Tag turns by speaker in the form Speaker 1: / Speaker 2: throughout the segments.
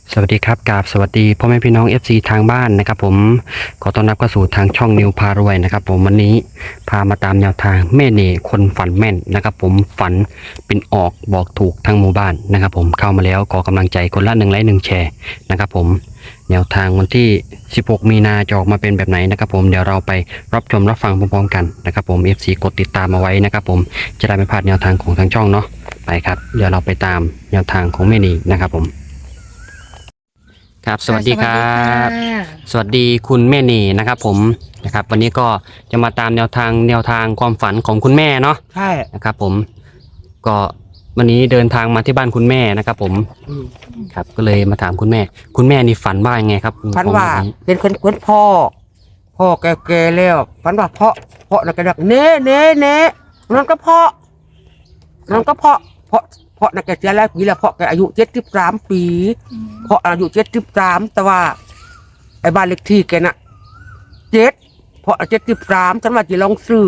Speaker 1: สวัสดีครับกราบสวัสดีพ่อแม่พี่น้อง FC ทางบ้านนะครับผมขอต้อนรับเข้าสู่ทางช่องนิวพารวยนะครับผมวันนี้พามาตามแนวทางแม่เน่คนฝันแม่นนะครับผมฝันเป็นออกบอกถูกทั้งหมู่บ้านนะครับผมเข้ามาแล้วขอกำลังใจคนละ1 ไลค์ 1 แชร์นะครับผมแนวทางวันที่16 มีนาจะออกมาเป็นแบบไหนนะครับผมเดี๋ยวเราไปรับชมรับฟังพร้อมๆกันนะครับผม FC กดติดตามเอาไว้นะครับผมจะได้ไม่พลาดแนวทางของทางช่องเนาะไปครับเดี๋ยวเราไปตามแนวทางของแม่เน่นะครับผมครับสวัสดีครับ สวัสดีคุณแม่เน่นะครับผมนะครับวันนี้ก็จะมาตามแนวทางความฝันของคุณแม่เนาะ
Speaker 2: ใช่
Speaker 1: นะครับผมก็วันนี้เดินทางมาที่บ้านคุณแม่นะครับผมครับก็เลยมาถามคุณแม่นี่ฝันว่ายังไงครับ
Speaker 2: ฝันว่าเป็นคนพ่อแก่ๆแล้วฝันว่าเพาะแล้วก็ดักเน่นั่นก็เพาะน่ะแกเสียแล้วปีแล้วเพาะแกอายุ73 ปีเพาะอายุ73แต่ว่าไอ้บ้านเลขที่แกน่ะ7เพาะ73ฉันว่าจะลองซื้อ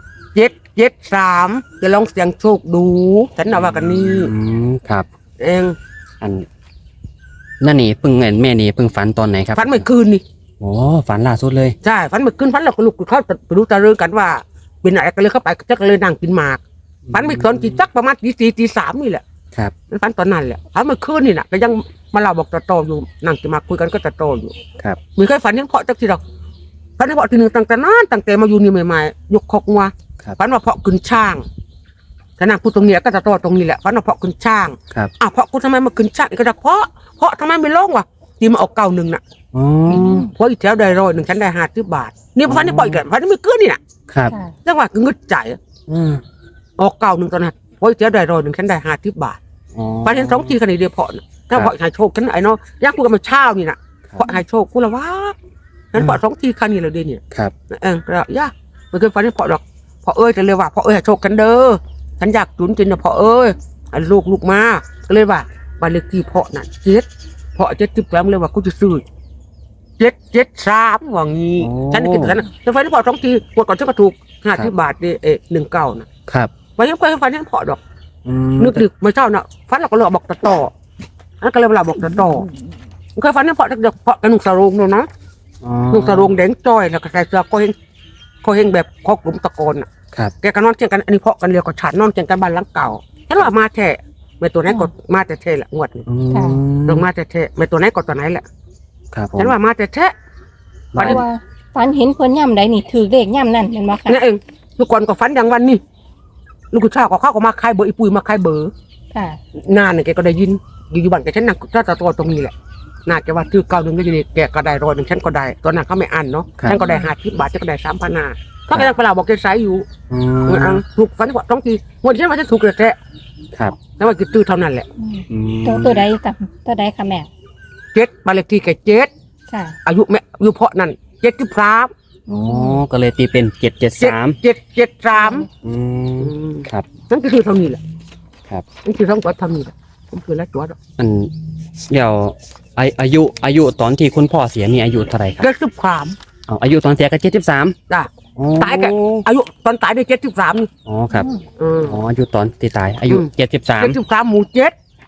Speaker 2: 773จะลองเสี่ยงโชคดูฉันน่ะว่ากันนี่
Speaker 1: ครับ
Speaker 2: เอง
Speaker 1: อันนั่นนี่เพิ่งแม่นี่เพิ่งฝันตอนไหนครับ
Speaker 2: ฝันเมื่อคืนนี่
Speaker 1: โอ้ฝันล่าสุดเลย
Speaker 2: ใช่ฝันเมื่อคืนฝันเราก็ลุกเขาไปรู้ตะเรื่องกันว่าเป็นอะไรกันเลยเข้าไปก็เลยนั่งกินหมากฝันเมื่อตอนกี่จักประมาณตี 3นี่แหละ
Speaker 1: ครับ
Speaker 2: ฝันตอนนั้นแหละฝันเมื่อคืนนี่น่ะก็ยังมาเล่าบอกตะโตอยู่นั่งกินหมากคุยกันก็ตะโตอยู่
Speaker 1: ครับ
Speaker 2: มีเคยฝันยังเพาะจักทีดอกฝันยังเพาะทีนึงตั้งแต่มาอยู่นี่ใหม่ๆยกคอกงัวฝันว่าเพาะขึ้นช่างแต่นั่งพูดตรงนี้ก็ตะโตตรงนี้แหละฝันว่าเพาะขึ้นช่างเพาะกูทำไมมาขึ้นช่างก็จะเพาะทำไมไม่ลงวะที่มาออก91น่ะเพราะอีกแถวได้100ฉันได้50 บาทนี่ฝันนี่ปล่อยกันฝันนี่ไม่เกินนี่น่ะ
Speaker 1: ครับ
Speaker 2: จังหวะก็งึดใจออก91ตอนนั้นเพราะอีกแถวได้100ฉันได้50 บาทฝันเห็น2 ทีขนาดเดียวเพาะถ้าเพาะหายโชคฉันไอ้เนาะยักษ์กูกันมาเช้านี่น่ะเพาะหายโชคกูละว่านั้นเพาะ2 ทีขนาดเลยเดี๋ยวนี้
Speaker 1: ครับ
Speaker 2: ก็ย่าไม่เคยฝันนี่เพาะดอกเพาะจะเลยว่าเพาะหายโชคกันเด้อฉันอยากจุนจินนะเพาะลูกมาก็เลยว่าบ้านเลขที่เพาะน่ะเพาะ73เลยว่ากูจะซื้อ773ว่างี้ฉันคิดกันนะแต่ฝันเพาะ2 ทีกดก่อนฉันก็ถูก50 บาท19นะครับวันนี้เคยฝันยังเพาะดอกนึกดึกเมื่อเช้าน่ะฝันเราก็เลยบอกต่อนั่นก็เลยเวลาบอกต่อเคยฝันยังเพาะเด็กเพาะกระนุ่งสรงเนาะนะนุ่งสรงแดงจ้อยแล้วก็ใส่เสื้อก็เฮงแบบคอกลุ่มตะโกนอ่ะแกก็นอนเชียงกันอันนี้เพาะกันเรียวกับฉันนอนเชียงกันบ้านหลังเก่าฉันว่ามาแท้ไม่ตัวไหนก็มาแต่แท้แหละงวดนี้ลงมาแต่แท้ไม่ตัวไหนก็ตัวไหนแหละฉันว่ามาแต่แท้
Speaker 3: ฝันเห็นคนย่ำใดนี่ถือเลขย่ำนั่นเห็นไหมคะ
Speaker 2: นี่เองทุกคนก็ฝันอย่างวันนี้ลูกชายก็เข้าก็มาคายเบอร์อีปุยมาคายเบอร์นานเนี่ยแกก็ได้ยินอยู่บ้านแกฉันนั่งถ้าตัวตรงนี้แหละน่าจะว่าถือ91ก็อยู่นี่แกก็ได้100ฉันก็ได้ตอนนั้นเขาไม่อั้นเนาะฉันก็ได้50 บาทฉันก็ได้3,500เขาก็ยังเปล่าบอกแกใช้อยู่ถูกฝันว่า2 ทีวันฉันว่าจะถูกแท้
Speaker 1: ครับ
Speaker 2: แล้วว่าคือตื้อเท่านั้นแหละ
Speaker 3: ตัวใดกับตัวใดค่ะแม่
Speaker 2: 7บ้านเลขที่แก7อายุแม่อายุเพาะนั่น73
Speaker 1: ก็เลยตีเป็น773ครับ
Speaker 2: นั่นคือเท่านี้แหละ
Speaker 1: ครับ
Speaker 2: นั่นคือทั้งหมดเท่านี้แหละผมคือแล้วตัว
Speaker 1: มันเดี๋ยวอายุตอนที่คุณพ่อเสียนี่อายุเท่าไหร่ครับ
Speaker 2: 73
Speaker 1: อายุตอนเสียก็73
Speaker 2: จ้ะตายก็อายุตอนตายได้73นี่
Speaker 1: ครับอายุตอนที่ตายอายุ73
Speaker 2: หมู่7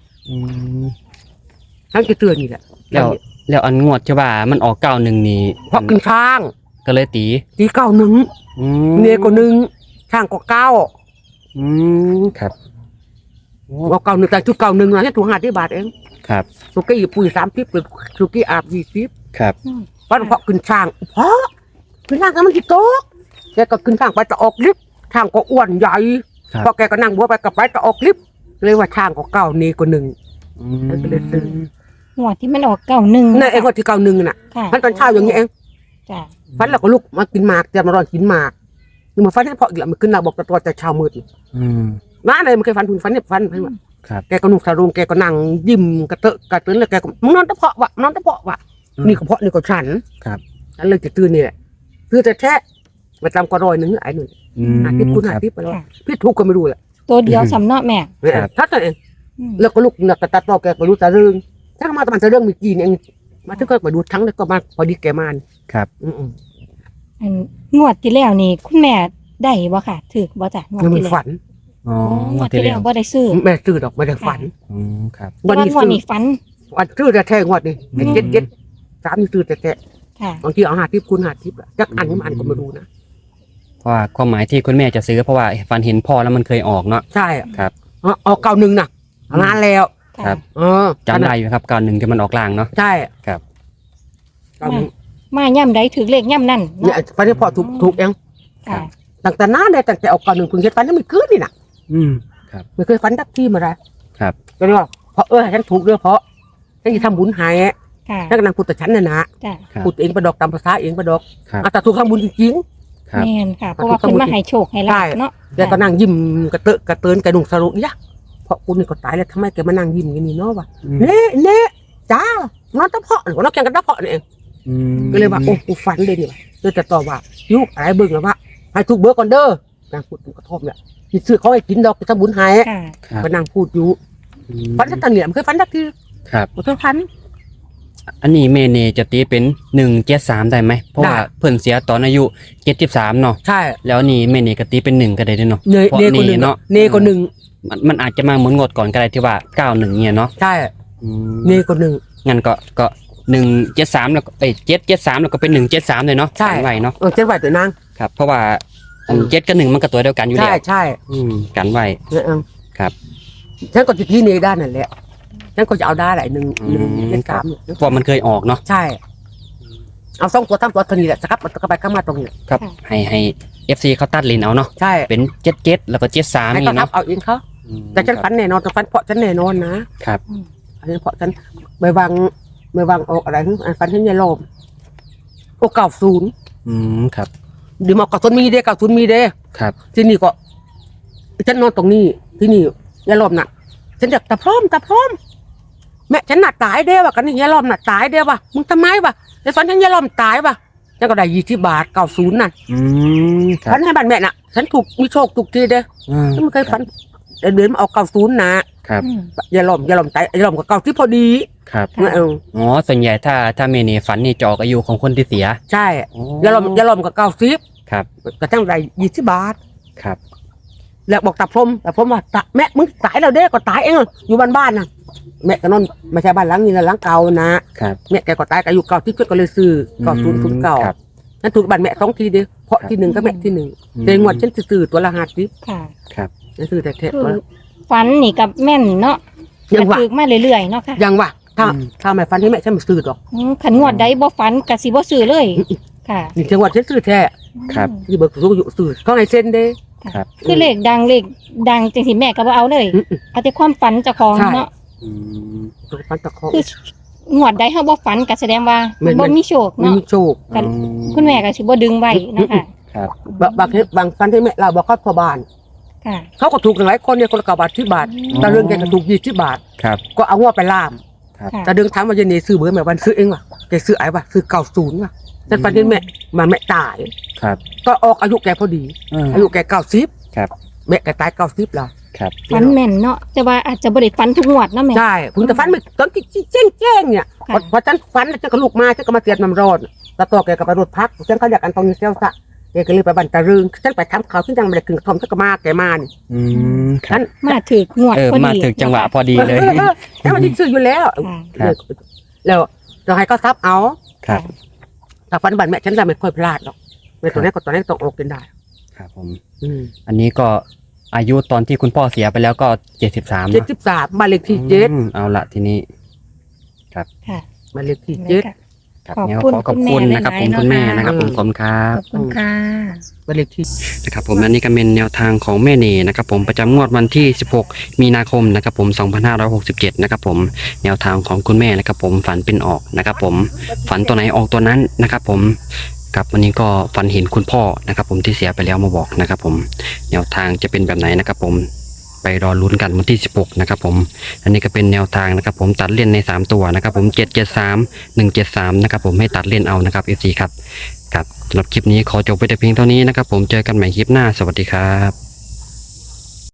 Speaker 2: นั่นคือเตือนนี่แหละ
Speaker 1: แล้วอันงวดใช่ป่ะมันออก91นี่
Speaker 2: เพราะขึ้นช้าง
Speaker 1: ก็เลยตี
Speaker 2: 91เนี่ยก็1ช้างก็9
Speaker 1: ครับ
Speaker 2: ว่า91แต่ชุด91นะแค่ถูก50 บาทเอง
Speaker 1: ครับ
Speaker 2: สุกี้ปุ๋ย30เป็นสุกี้อาบ20
Speaker 1: ครับ
Speaker 2: เพราะขึ้นช้างเพราะขึ้นช้างก็มันกี่โต๊ะแกก็ขึ้นช้างไปจะออกลิฟต์ช้างก็อ้วนใหญ่พอแกก็นั่งบัวไปกับไปจะออกลิฟต์เลยว่าช้างก็9นี่ก็1นั่นก็เลยซื้อ
Speaker 3: หัวที่มันออก91
Speaker 2: นั่นเองว่าที่91น่ะมันตอนเช้าอย่างนี้เอง
Speaker 3: จ้ะ
Speaker 2: ฟันเราก็ลุกมากินหมากจะมารอกินหมากนี่มาฟันให้พออีกแล้วมันขึ้นเราบอกตัวแต่เช้ามืดน้าอะไรมันเคยฟันคุณฟันเนี่ยฟันให้มันแกก็นุ่งสารุงแกก็นั่งยิ้มกระเตอะกระเตื้นเลยแกก็มึงนอนตะเพาะวะนี่ก็เพาะนี่ก็ฉันเลยจะตื่นนี่แหละคือแต่แท้มาจำก็100ไอ้หนึ่ง50 คูณ 50ไปแล้วพี่ทุกก็ไม่รู้แหละ
Speaker 3: ตัวเดียวสำเนาะแม่
Speaker 2: ถ้าตัวเองแล้วก็ลุกหนักกระตัดต่อแกก็รู้แต่เรื่องถ้ามาตะมันจะเรื่องมีจีนเองมาถึงก็มาดูทั้งแล้วก็มาพอดีแกมาน
Speaker 1: ครับ
Speaker 3: งวดที่แล้วนี่คุณแม่ได้บ่ค่ะถือบ่จ้ะ
Speaker 2: งวดที่แล้วฝัน
Speaker 3: งวดที่แล้วบ่ได้ซื้อ
Speaker 2: แม่ซื้อดอกไม่ได้ฝัน
Speaker 1: ครับ
Speaker 3: วันนี้ฝัน
Speaker 2: อันชื่อแต่แท้งวดนี่ไอ้เจ็ดสามนี่ชื่อแต่แท้
Speaker 3: ค่ะ
Speaker 2: บางทีเอา50คูณ50อะจักอันมันก็ไม่รู้นะ
Speaker 1: เพราะว่าความหมายที่คุณแม่จะซื้อเพราะว่าฝันเห็นพ่อแล้วมันเคยออกเนาะ
Speaker 2: ใช่
Speaker 1: ครับ
Speaker 2: ออก91น่ะนานแล้ว
Speaker 1: ครับ จำได้อยู่ครับก่อนหนึ่งที่มันออกล่างเนาะ
Speaker 2: ใช่
Speaker 1: ครับ
Speaker 3: มาย่ำใดถือเลขย่ำนั่น
Speaker 2: เนี่ย
Speaker 3: เนาะ
Speaker 2: ฟันที่พอถูกเอง
Speaker 3: ค่ะ
Speaker 2: ตั้งแต่นานเลยตั้งแต่ออก91เพิ่งเฮ็ดฟันยังไม่คืนนี่น่ะ
Speaker 1: อืม
Speaker 2: ไม่เคยฟันดักที่มาได้
Speaker 1: ครับ
Speaker 2: ก็เลยว่าเพราะฉันถูกเด้อเพราะฉันจะทำบุญให้
Speaker 3: ค่ะ
Speaker 2: ฉันกำลังพูดแต่ฉันน่ะนะ
Speaker 3: จ้ะ
Speaker 1: ครับ
Speaker 2: พูดเองประดอกตามภาษาเองประดอก
Speaker 1: ครับ
Speaker 2: แต่ถูกทำบุญจริง
Speaker 1: ครับ
Speaker 3: แม่นค่ะ เพราะว่าเพิ่นมาให้โชคให้ลาบเนาะ
Speaker 2: ๆแล้วก็นั่งยิ้มกระเตอะกระเตินกระดุงสรุปยะเพราะกูนี่ก็ตายแล้วทำไมแกมานั่งยิ้มอย่างนี้เนาะวะ
Speaker 1: อืม
Speaker 2: เน่จ้านอนตะเพาะหรือว่านอนแกงกันตะเพาะนี่เอง
Speaker 1: อืม
Speaker 2: ก็เลยว่าโอ้กูฝันเลยนี่ว่ะเลยจะตอบว่ายุกอะไรเบิ่งแล้วว่าให้ถูกเบอร์ก่อนเด้อนางพูดกระทบเนี่ยมีซื้อเขาให้กินดอกไปทำบุญให้
Speaker 3: ค่ะ
Speaker 1: ครับ
Speaker 2: ก็นั่งพูดอยู่
Speaker 1: อืม
Speaker 2: ฝันสักตอนเนี่ยมันเคยฝันสักที
Speaker 1: ครับ
Speaker 2: บ่เคยฝัน
Speaker 1: อันนี้เมเนจะตีเป็น173ได้ไหมเพราะว่า
Speaker 2: ได้
Speaker 1: เพิ่นเสียตอนอายุ73เนาะ
Speaker 2: ใช่
Speaker 1: แล้วนี่เมเนก็ตีเป็น1ก็ได้ด้วยเนาะ
Speaker 2: เน
Speaker 1: เพราะ
Speaker 2: เนคนหนึ่ง
Speaker 1: เนาะ
Speaker 2: เนคนหนึ่ง
Speaker 1: มันอาจจะมาเหมือนงวดก่อนก็ได้ที่ว่า91เนี่ยเนาะ
Speaker 2: ใช่
Speaker 1: อืม
Speaker 2: เนคนหนึ่ง
Speaker 1: งั้นก็173แล้วก็773แล้วก็เป็น173เลยเนาะ
Speaker 2: ใช่
Speaker 1: กันไว้เนาะ
Speaker 2: เจ็ดไหวตัวนาง
Speaker 1: ครับ เพราะว่าอัน7กับ1มันก็ตัวเดียวกันอยู่
Speaker 2: ใช่
Speaker 1: แล้ว
Speaker 2: ใช่
Speaker 1: กันไว้ ครับ
Speaker 2: ฉันก็จะที่เนด้านนั่นแหละฉันก็จะเอาได้แหละหนึ่ง
Speaker 1: อืม
Speaker 2: เจ็ด
Speaker 1: ครั
Speaker 2: สา
Speaker 1: บ
Speaker 2: ม
Speaker 1: เพราะมันเคยออกเนาะ
Speaker 2: ใช่ เอา2ตัว3ตัวตัวนี้แหละสครับมันก็ไปข้ามมาตรงนี้
Speaker 1: ครับให้ FC เขาตัดลินเอาเนาะ
Speaker 2: ใช่
Speaker 1: เป็น77แล้วก็73
Speaker 2: ให้
Speaker 1: นี่
Speaker 2: เขาทับ
Speaker 1: เนาะ
Speaker 2: เอาเองเขา
Speaker 1: อืม
Speaker 2: แต่ฉันฝันแน่นอนแต่ฝันเพราะฉันแน่นอนนะครับ อันนี้เพราะฉันไม่วางออกอะไรฝันฉันยายโลมโอ้90
Speaker 1: อืมครับ
Speaker 2: เดี๋ยวมา90มีเด้90มีเด้
Speaker 1: ครับ
Speaker 2: ที่นี่ก็ฉันนอนตรงนี้ที่นี่ยายโลมน่ะ ฉันอยากตะพร้อมแม่ฉันน่ะตายเด้ว่ะกันนี่ยายโลมน่ะตายเด้ว่ะมึงทำไมว่ะในฝันฉันยายโลมตายว่ะฉันก็ได้20 บาท90นั่น
Speaker 1: อืมครั
Speaker 2: ฝั
Speaker 1: บ
Speaker 2: นให้บ้านแม่น่ะฉันถูกมีโชคถูกทีเด้ ฉันไม่เคยฝันเดินมาออก90นะครับ
Speaker 3: อืม
Speaker 2: อย่าหล่อมตายอย่าหล่อมกับ90พอดี
Speaker 1: ครับ
Speaker 3: ค่ะ
Speaker 1: อ๋อส่วนใหญ่ถ้าเมเนฝันนี่จะออกอายุของคนที่เสีย
Speaker 2: ใช่
Speaker 1: อ๋อ
Speaker 2: อย่าหล่อมกับ90
Speaker 1: ครับ
Speaker 2: ก็ตั้งได้20 บาท
Speaker 1: ครับ
Speaker 2: แล้วบอกตาพรมว่าแม่มึงตายแล้วเด้ก็ตายเองอยู่บ้านน่ะแม่ก็นอนไม่ใช่บ้านหลังนี้นะหลังเก่านะครับ แม่แกก็ตายก็อายุ90ที่ก็เลยซื้อ9009
Speaker 1: ครับ
Speaker 2: ฉันถูกบ้านแม่2ทีเด้เพราะที่1ก็แม่ที่1แต่งวดฉันซื้อตัวละ50
Speaker 3: ค่ะ
Speaker 1: ครับ
Speaker 2: ฉันซื้อแต่
Speaker 3: คือ
Speaker 2: ตัว
Speaker 3: ฝันนี่กับแม่นเนาะ
Speaker 2: ยังว่า
Speaker 3: ถือมาเรื่อยๆเนาะค่ะ
Speaker 2: ยังว่าถ้าไม่ฟันให้แม่ฉันไม่ซื้อหรอก
Speaker 3: ขันงวดใดบ่ฝันกะสิบ่ซื้อเลย ค่ะ
Speaker 2: นี่จังหวัดฉันซื้อแท้
Speaker 1: ครับ
Speaker 2: ที่เบิกสูงอยู่ซื้อเขาให้เซ็นเด้
Speaker 1: ครับ
Speaker 3: คือเลขดังจังสิแม่ก็บ่เอาเลย เอาแต่ความฝันเจ้าของ
Speaker 2: ใช่
Speaker 3: เนาะ
Speaker 1: อืม
Speaker 2: ตัวฟันตะคอ
Speaker 3: คืองวดใดเฮาบ่ฝันก็แสดงว่า
Speaker 2: แม่น
Speaker 3: บ่มีโชค
Speaker 2: ไม่
Speaker 3: เนาะ
Speaker 2: มีโชค
Speaker 3: กัน คุณแม่ก็สิบ่ดึงไว้เนาะค่ะ
Speaker 1: ครับ
Speaker 2: บางฟันที่แม่เราบอกเขาพอบาน
Speaker 3: ค่ะ
Speaker 2: เขาก็ถูกกันหลายคนเนี่ยคนละ9 บาท10 บาทแต่เรื่องแกก็ถูก20 บาท
Speaker 1: ครับ
Speaker 2: ก็เอางวไปล่าม
Speaker 3: ค่ะ
Speaker 2: แต่เดินถามว่าเยนนี่ซื้อเบอร์แม่วันซื้อเองว่ะแกซื้อไอ้ว่ะซื้อ90ว่ะแต่ฟันที่แม่มาแม่ตาย
Speaker 1: ครับ
Speaker 2: ก็ออกอายุแกพอดี อายุแก90
Speaker 1: ครับ
Speaker 2: แม่แกตาย90แล้ว
Speaker 1: ครับ
Speaker 3: ฝันแม่นเนาะแต่ว่าอาจจะบ่ได้ฝันทุกงวดเนาะแม่
Speaker 2: ใช่ผมแต่ฟันไม่ตอนที่แจ้งเนี่ย
Speaker 3: ค่ะ
Speaker 2: พอฉันฟันแล้วฉันก็ลุกมาฉันก็มาเสียดน้ำร้อนแล้วตัวแกก็ไปรถพักฉันเขาอยากกันตรงนี้เซลซะแกก็เลยไปบันตะรึงฉันไปทำเขาฉันยังไม่ได้กึ่งทอมฉันก็มาแกมานี่
Speaker 1: อืมครั
Speaker 2: ฉั
Speaker 1: บ
Speaker 2: น
Speaker 3: มาถึกงวดพอดี
Speaker 1: มาถึงจังหวะพอดีเลย
Speaker 2: แล้วมันที่ซื้ออยู่แล้ว
Speaker 1: ครับ
Speaker 2: แล้วเราให้เขาซับเอา
Speaker 1: ครับ
Speaker 2: แต่ฟันบันแม่ฉันจะไม่ค่อยพลาดหรอกในตัวนี้ก็ตัวนี้ต้องออกกันได้
Speaker 1: ครับผม
Speaker 2: 73
Speaker 1: อันนี้ก็อายุตอนที่คุณพ่อเสียไปแล้วก็73เนอะ
Speaker 2: บ้านเลขที่7
Speaker 1: เอาละทีนี้
Speaker 3: ค่ะ
Speaker 2: บ้านเลขที่
Speaker 3: นี่ค่ะ
Speaker 1: ครับ
Speaker 3: ขอบ
Speaker 1: เนี่ย
Speaker 3: คุณ
Speaker 1: ขอบคุณนะครับผม
Speaker 3: คุณแม่
Speaker 1: คุณแม่นะครับ
Speaker 3: หลายๆ
Speaker 1: ผมขอบคุณครับ
Speaker 3: ขอบคุณค่ะ
Speaker 2: บ้านเลขที่
Speaker 1: นะครับผมอันนี้ก็เป็นแนวทางของแม่เนนะครับผมประจำงวดวันที่ 16 มีนาคมนะครับผม 2567 นะครับผมแนวทางของคุณแม่นะครับผมฝันเป็นออกนะครับผมฝันตัวไหนออกตัวนั้นนะครับผมกับวันนี้ก็ฝันเห็นคุณพ่อนะครับผมที่เสียไปแล้วมาบอกนะครับผมแนวทางจะเป็นแบบไหนนะครับผมไปรอลุ้นกันวันที่ 16 นะครับผมอันนี้ก็เป็นแนวทางนะครับผมตัดเล่นใน 3 ตัวนะครับผม 773 173 นะครับผมให้ตัดเล่นเอานะครับ FC ครับครับสำหรับคลิปนี้ขอจบไปแต่เพียงเท่านี้นะครับผมเจอกันใหม่คลิปหน้าสวัสดีครับ